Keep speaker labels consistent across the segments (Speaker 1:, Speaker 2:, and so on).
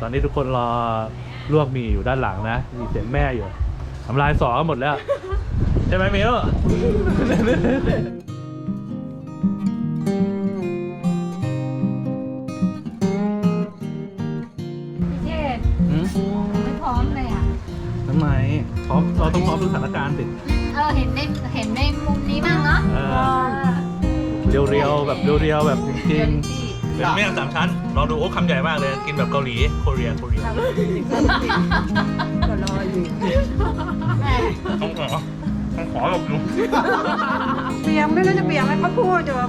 Speaker 1: ตอนนี้ทุกคนรอลวกหมี่อยู่ด้านหลังนะมีเสียงแม่อยู่ทำลายสอกันหมดแล้วใช่ไหมมิว
Speaker 2: พี่เจษไม่พร้อมเลยอ่ะ
Speaker 1: ทำไมพร้อมเราต้องพร้อมทุกสถานการณ์สิ
Speaker 2: เห็นในมุมนี้บ้างเนาะ
Speaker 1: เรียวๆแบบเรียวๆแบบจริงๆเป็นเมี่ยงสามชั้นลองดูโอ้คำใหญ่มากเลยกินแบบเกาหลีโคเรียก็รออยู่ต้องขอหลบอยู่
Speaker 3: เปียงไม่รู้จะเปียงอะไรเขาพูดอยู่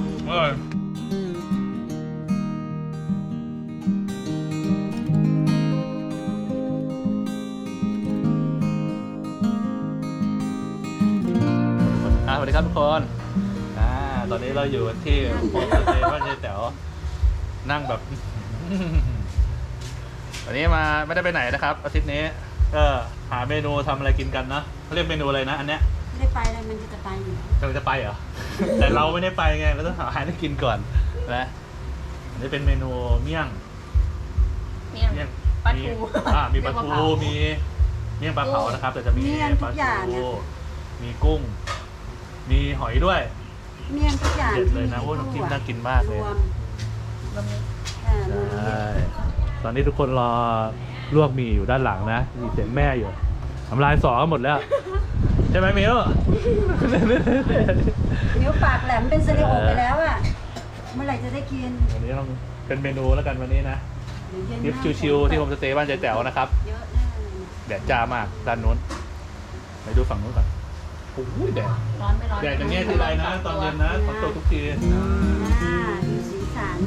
Speaker 1: สวัสดีครับทุกคนตอนนี้เราอยู่ที่โฮมสเตย์บ้านยายแต๋วนั่งแบบ วันนี้มาไม่ได้ไปไหนนะครับอาทิตย์นี้ก็หาเมนูทำอะไรกินกันนะเขาเรียกเมนูอะไรนะอันเนี้ย
Speaker 3: ไม่ได้ไปเลยมันจะไปอยู่
Speaker 1: กำลังจะไปเหรอ แต่เราไม่ได้ไปไงเราต้องหาอาหารให้กินก่อนนะอันนี้เป็นเมนูเมี่ยงปลาทูมีปลาทูมีเมี่ยงปลาเผานะครับแต่จะมีปลาทูมีกุ้งมีหอยด้วย
Speaker 3: เมี่ยงทุกอย่าง
Speaker 1: เด็ดเลยนะโอ้น้ำจิ้มน่ากินมากเลยใช่ตอนนี้ทุกคนรอลวกหมี่อยู่ด้านหลังนะมีเสียงแม่อยู่ทำลายสอกันหมดแล้วใช่ไหมมิว
Speaker 3: นิ้วปากแหลมเป็นสลิโอไปแล้วอ่ะเมื่อไหร่จะได้กิน
Speaker 1: วันนี้ต้องเป็นเมนูแล้วกันวันนี้นะทริปชิวๆที่โฮมสเตย์บ้านยายแต๋วนะครับ
Speaker 3: เยอะแน่เลย
Speaker 1: แดดจ้ามากด้านนู้นไปดูฝั่งนู้นก่อนโอ้ยแดด
Speaker 2: ร้อนไม่ร้อน
Speaker 1: แดดอย่างเงี้ยทีไรนะตอนเย็นนะฝนตกทุกที
Speaker 3: ดูสีสัน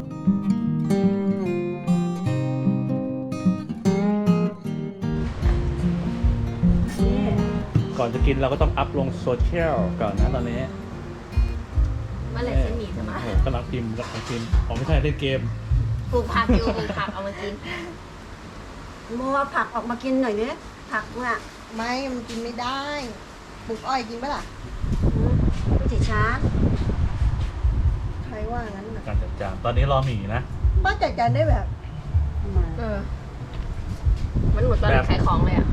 Speaker 1: ก่อนจะกินเราก็ต้องอัพลงโซเชียลก่อนนะตอนนี้
Speaker 2: เมื่อไหร่จะหนีจะมา
Speaker 1: โอ้โหกำลังพิมพ์อ๋อไม่ใช่เล่นเกม
Speaker 2: ปลูกผักอยู่ปลูกผักเอามากิน
Speaker 3: มัวผักออกมากินหน่อยเนี่ยผักว่ะ
Speaker 4: ไม่มันกินไม่ได้ปลูกอ้อยกินปะล่ะ
Speaker 3: ไม่ติดช้า
Speaker 4: ใครว่างั้นน่ะ
Speaker 1: การจัดจานตอนนี้รอหมี่นะ
Speaker 4: ป้าจัดการได้แบบ
Speaker 3: มา
Speaker 2: มันหมดตอนขายของเลยอ่ะ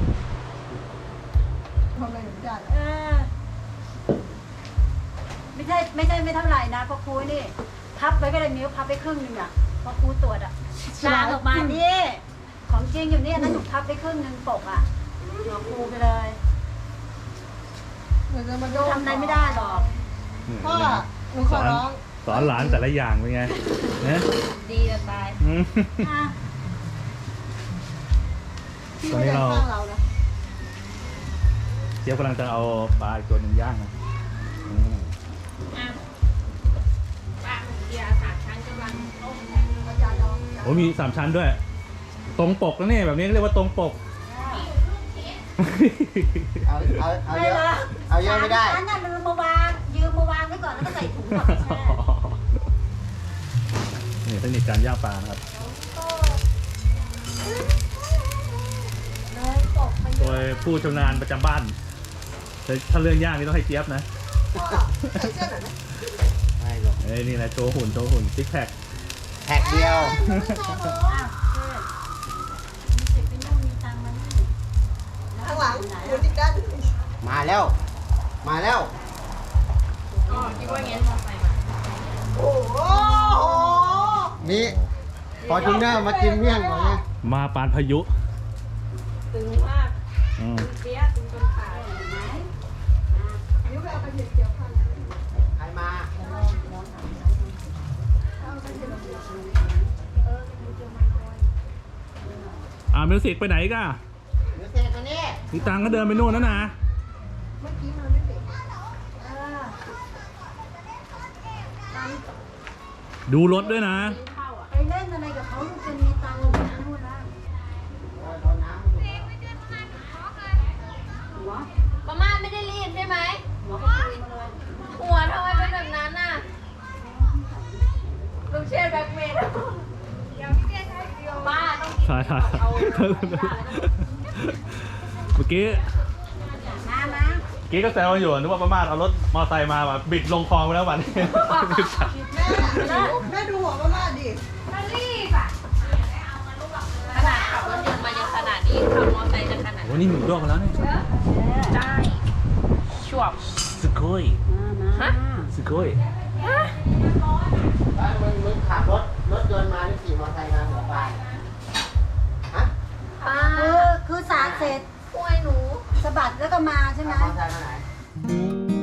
Speaker 4: ทำอะไรหนูจัด
Speaker 3: ไม่ใช่ไม่เท่าไหร่นะเพราะครูนี่พับไว้ก็ได้นิ้วพับไปครึ่งนึงอ่ะเพราะครูตรวจอ่ะ
Speaker 2: ลาออกมา
Speaker 3: นี่ของจริงอยู่นี่นะหนูพับไปครึ่งนึงปกอ่ะหัวครูไปเลย
Speaker 4: หนูจะมาโดน
Speaker 3: ทำอะไรไม่ได้หรอก
Speaker 4: พ่อหนูขอร้อง
Speaker 1: สอนหลานแต่ละอย่างเป็นไงนะ
Speaker 2: ดีจะตาย
Speaker 1: อืม
Speaker 3: อ่ะ
Speaker 4: พี่ไม่ได้ข้างเรานะ
Speaker 1: เจี๊ยบกำลังจะเอาปลาอีกตัวหนึ่งย่างนะอืม
Speaker 2: ปลาของเดียสามชั้นกำลังต้ม
Speaker 1: โอ้มี3 ชั้นด้วย ตรงปกแล้วเนี่ยแบบนี้เรียกว่าตรงปก
Speaker 5: เอาเยอะเอาเยอะไม่ได้
Speaker 3: อันนั้นลืมมาวางยืมมาวางไว้ก่อนแล้วก็ใส่ถุงก่อนไม่ใช่
Speaker 1: นี่เทคนิคการย่างปลานะครับ
Speaker 3: เลยปกไปเย
Speaker 1: โด
Speaker 3: อะ
Speaker 1: ยผู้ชำนาญประจำบ้านแต่ถ้าเรื่องย่างนี่ต้องให้เจี๊ยบนะ
Speaker 4: พ่อใส่เสื้อหน่อยนะ
Speaker 5: ไม่หรอก
Speaker 1: เอ้ยนี่แหละโชว์หุ่นซิกแพค
Speaker 5: แท็กเดียว
Speaker 3: อ้าวเพื่อนมีสิทธิ์เป็นลูกมีตังค์มานี่
Speaker 4: ข้างหลังหนูติดกัน
Speaker 5: มาแล้ว มาแล้ว
Speaker 2: อ๋อคิดว่างั้นมอไซค์มา
Speaker 4: โอ้โห
Speaker 5: นี่พอจูเนอร์มากินเมี่ยงก่อนเนี่ย
Speaker 1: มาปานพายุ
Speaker 2: ตึงมาก
Speaker 1: อืม
Speaker 2: เปี้ยตึงจนขาด
Speaker 3: เห็นไหม
Speaker 4: นิ้วไปเอาไปเกี่ยวข้าง
Speaker 5: ใครมา
Speaker 1: มิวสิกไปไหนกัน
Speaker 5: เดี๋ยวเสร็จตัวนี้
Speaker 1: มีตังค์ก็เดินไปนู่นแล้วนะ
Speaker 4: เมื่อกี้มันไม่เบรก
Speaker 1: ดูรถด้วยนะ
Speaker 3: ไปเล่นอะไรกับเขาลูกจนมีตังค์อยู่นะนู่นนะหัว
Speaker 2: ประมาณไม่ได้รีบใช่ไหม
Speaker 3: หัวก็คุยมาเลย
Speaker 2: หัวทำไมเป็นแบบนั้นน่ะลูกเชษแบ็คเมย์ป้าต้องกิน
Speaker 1: ใช่ใช่
Speaker 2: เอา
Speaker 1: เมื่อกี้
Speaker 3: มา
Speaker 1: กี้ก็แซวอยู่นึกว่าประมาทเอารถมอไซค์มาแบบบิดลงคลองไปแล้ววันนี้
Speaker 4: แม่ดูหัวมาดิ
Speaker 2: มันรีบอ่ะ
Speaker 3: ม
Speaker 1: อ้นี่หมูดองแล้วเนี่ย
Speaker 2: ได้ชวบ
Speaker 1: สกอย
Speaker 3: มา
Speaker 1: สกอย
Speaker 5: มึงขับรถยนต์มาหรือขี่มอเตอร์ไซค์มาหัวปลายฮะ
Speaker 3: คือสาดเสร็จ
Speaker 2: ป่วยหนู
Speaker 3: สะบัดแล้วก็มาใช่ไหม
Speaker 5: ขับมอเตอร์ไซค์มาไหน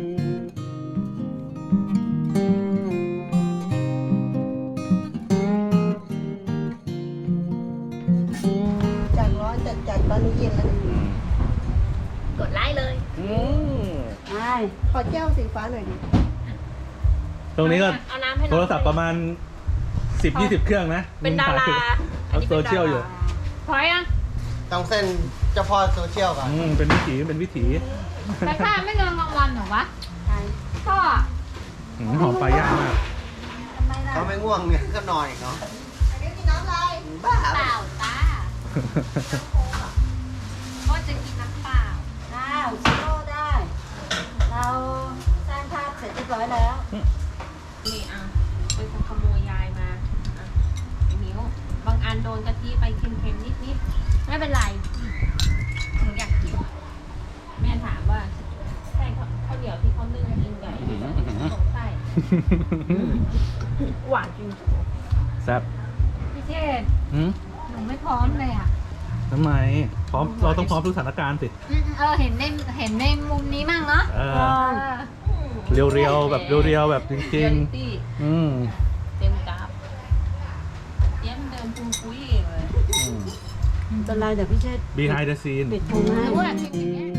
Speaker 4: จากร้อนจัดตอนนี้เย็นแล้วเนี่ย
Speaker 2: กดไลค์เลย
Speaker 3: ใช่
Speaker 4: ขอแก้วสีฟ้าหน่อยดิ
Speaker 1: ตรงนี้ก็
Speaker 2: เอาน้ำให้น้อง
Speaker 1: โทรศัพท์ประมาณ 10-20 เครื่องนะ
Speaker 2: เป็นดารา
Speaker 1: เอาโซเชียลอยู่
Speaker 2: พอยัง
Speaker 5: ต้องเส้นเจ้าพ่อโซเชียลก่อน
Speaker 1: เป็นวิถีเป็นวิถี
Speaker 2: แต่ข้าไม่เงินรางวัลเหรอวะ
Speaker 3: ใช่
Speaker 2: พ่อ
Speaker 1: หอมปลาย่างมาก
Speaker 3: ทำไมล่ะ
Speaker 5: เขาไม่ง่วงเนี่ยก็นอนอีกเนาะ
Speaker 4: อันนี้มีน้ำลาย
Speaker 5: บ้า
Speaker 2: เปล่าตาพ่อจะกินน้ำเปล่า
Speaker 3: อ้าวชิโร่ได้ เราสร้างภาพเสร็จเรียบร้อยแล้ว
Speaker 2: นี่อ่ะเป็นคนขโมยยายมาอ่ะไอ้นิ้วบางอันโดนกะทิไปเค็มๆนิดๆไม่เป็นไรหนูอยากกินแม่ถามว่าใช่ข้าวเหนียวที่เขานึ่งกินใหญ่ใช่หวานจริง
Speaker 1: แซ่บ
Speaker 2: พี่เชษ
Speaker 1: หืม
Speaker 2: หนูไม่พร้อมเลยอ่ะ
Speaker 1: ทำไมพร้อมเราต้องพร้อมทุกสถานการณ์สิ
Speaker 2: เห็นในมุมนี้มั่งเนาะ
Speaker 1: เรียวๆแบบเรียวๆแบบจริงๆ
Speaker 2: เต็มกราฟเยี่ยมเดินปุ้งปุ้ยเองเลย
Speaker 3: เป็นไรเดี๋ยวพี่เชษ
Speaker 1: behind the scene
Speaker 3: ปิดพุงให้
Speaker 2: หนูอยากกินอย่างเงี้ย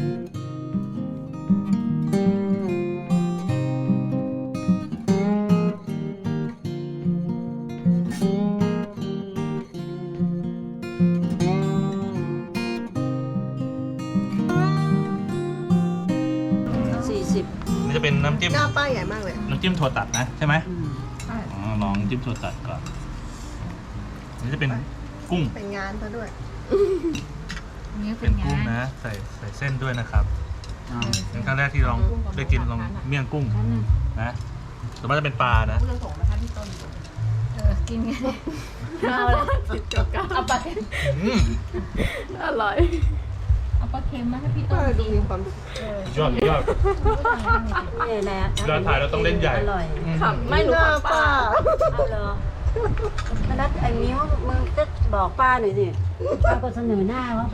Speaker 3: 40
Speaker 1: นี่จะเป็นน้ำจิ้ม
Speaker 4: หน้าป้ายใหญ่มากเลย
Speaker 1: น้ำจิ้มถั่วตัดนะใช่ไหม
Speaker 3: อืม
Speaker 1: อ๋อลองจิ้มถั่วตัดก่อนนี่จะเป็นกุ้ง
Speaker 4: เป็นงานซะด้วย
Speaker 2: นี่เป็
Speaker 1: เป็น น
Speaker 2: ไง
Speaker 1: กุ้งนะ ใส่เส้นด้วยนะครับเป็นครั้งแรกที่ลองได้กินลองเมี่ยงกุ้งนะส่วนมากจะเป็นปลานะ
Speaker 2: พูดเรื่องส่งนะคะพี่ต้นกินไงเอาเลยเอาปลาเค็ม
Speaker 1: อืม
Speaker 2: อร่อยเอาปลาเค็มมาให้พี่ต้
Speaker 4: ป้าน ดู
Speaker 2: กิน
Speaker 4: มีความ
Speaker 1: ยอด
Speaker 3: นี่แหละ
Speaker 1: เวลาถ่ายเราต้องเล่นใหญ่
Speaker 3: อร่อย
Speaker 2: ขับไม่รู้
Speaker 4: หน้า
Speaker 2: ขับป
Speaker 4: ป้า
Speaker 2: ลา
Speaker 3: เอาเหรอมานัดไอ้มิ้วมึงจะบอกป้าหน่อยสิป้าก็เสนอหน้าเขาไป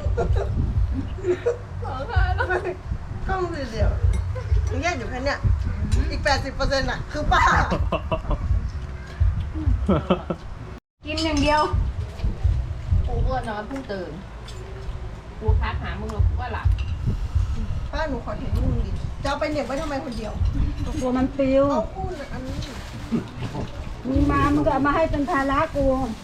Speaker 4: กล้องเดียวมึงแยกอยู่แค่เนี้ยอีก 80%อ่ะ คือป้า
Speaker 2: กินอย่างเดียวกูอ้วนนอนเพิ่งตื่นกูทักหามึงแล้วกูก็หลับ
Speaker 4: ป้าหนูขอถ่ายรูปดิจะเอาไปเหน็บไว้ทำไมคนเดียว
Speaker 3: กลัวมันปลิว
Speaker 4: เอาพูดอันนี้
Speaker 3: มึงมามึงก็เอามาให้เป็นภาระกู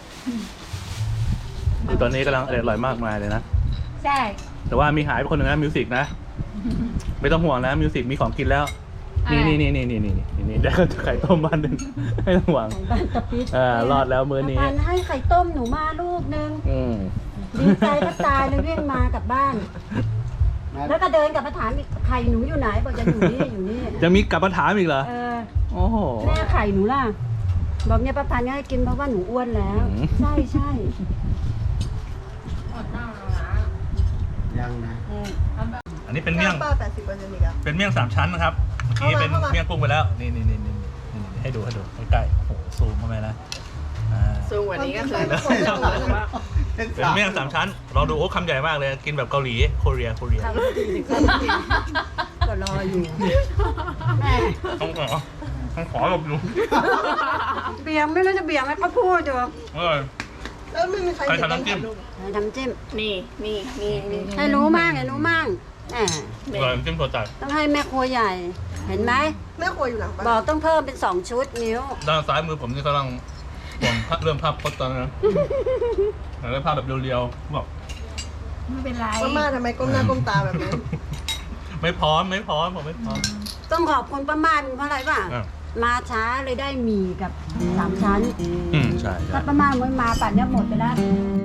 Speaker 1: คือตอนนี้กำลังอร่อยมากมายเลยนะ
Speaker 2: ใช่
Speaker 1: แต่ว่ามีหายไปคนหนึ่งนะมิวสิกนะ ไม่ต้องห่วงนะมิวสิกมีของกินแล้ว นี่เดี๋ยวไข่ต้มบ้านหนึ่งไม่ต้องห่วง
Speaker 3: บ้านตะปิด
Speaker 1: รอดแล้วมื้อนี้
Speaker 3: พันให้ไข่ต้มหนูมาลูกนึง ดีใจก็ตายเลยวิ่งมากลับบ้าน แล้วก็เดินกลับมาถามอีกไข่หนูอยู่ไหนบอกจะอยู่นี่อยู่นี่
Speaker 1: ยังมีกลับมาถามอีกเหรอ
Speaker 3: เออ
Speaker 1: โอ้โห
Speaker 3: แม่ไข่หนูล่ะ บอกเนี่ยประพันธ์ให้กินเพราะว่าหนูอ้วนแล้ว
Speaker 1: อืม
Speaker 3: ใช่ใช่
Speaker 2: อดน้ำแล้วนะ
Speaker 5: ยังนะ
Speaker 3: เออ
Speaker 1: อันนี้เป็น
Speaker 4: ห
Speaker 1: เมี่ย
Speaker 4: น้าง ป้า 80%อีกอ่ะ
Speaker 1: เป็นเมี่ยง3 ชั้นนะครับ เมื่อกี้เป็น
Speaker 4: เข้ามา
Speaker 1: เมี่ยงกุ้งไปแล้ว นี่ให้ดูใกล้ๆโอ้โหซูมเข้าไปนะซูม
Speaker 4: วันนี้ก็คือ
Speaker 1: เป็นเมี่ยง3 ชั้นลองดูโอ้คำใหญ่มากเลยกินแบบเกาหลีโคเรีย
Speaker 3: ก็รออยู่แม่
Speaker 1: ต้องขอหลบอยู่
Speaker 3: เบี่ยงไม่รู้จะเบี่ยงไหมก็พูดอยู่
Speaker 4: แล้วไม่มีใคร
Speaker 1: ใคร
Speaker 4: เห็น
Speaker 1: ทำน้ำจิ้ม
Speaker 3: ให้ทำจิ้ม
Speaker 2: นี่
Speaker 3: ให้รู้มั่งให้รู้มั่งแหม
Speaker 1: อร่อยน้ำจิ้มถั่วตัด
Speaker 3: ต้องให้แม่ครัวใหญ่ เห็นไหม
Speaker 4: แม่ครัวอยู่หลังบ้าน
Speaker 3: บอกต้องเพิ่มเป็น2 ชุดนิ้ว
Speaker 1: ด้านซ้ายมือผมนี่กำลังห่วงเรื่องภาพพจน์ตอนนั้นนะแต่ได้ภาพแบบเรียวๆบอก
Speaker 2: ไม่เป็นไร
Speaker 4: ป้าม่าทำไมก้มหน้าก้มตาแบบนั้น
Speaker 1: ไม่พร้อมผมไม่พร้อม
Speaker 3: ต้องขอบคุณป้าม่านเพราะอะไรป่ะ
Speaker 1: อ่ะ
Speaker 3: มาช้าเลยได้หมี่กับ3 ชั้น
Speaker 1: ใช่
Speaker 3: ถ้าป้าม่านไม่มาป่านเนี้ยหมดไปแล้ว
Speaker 1: อ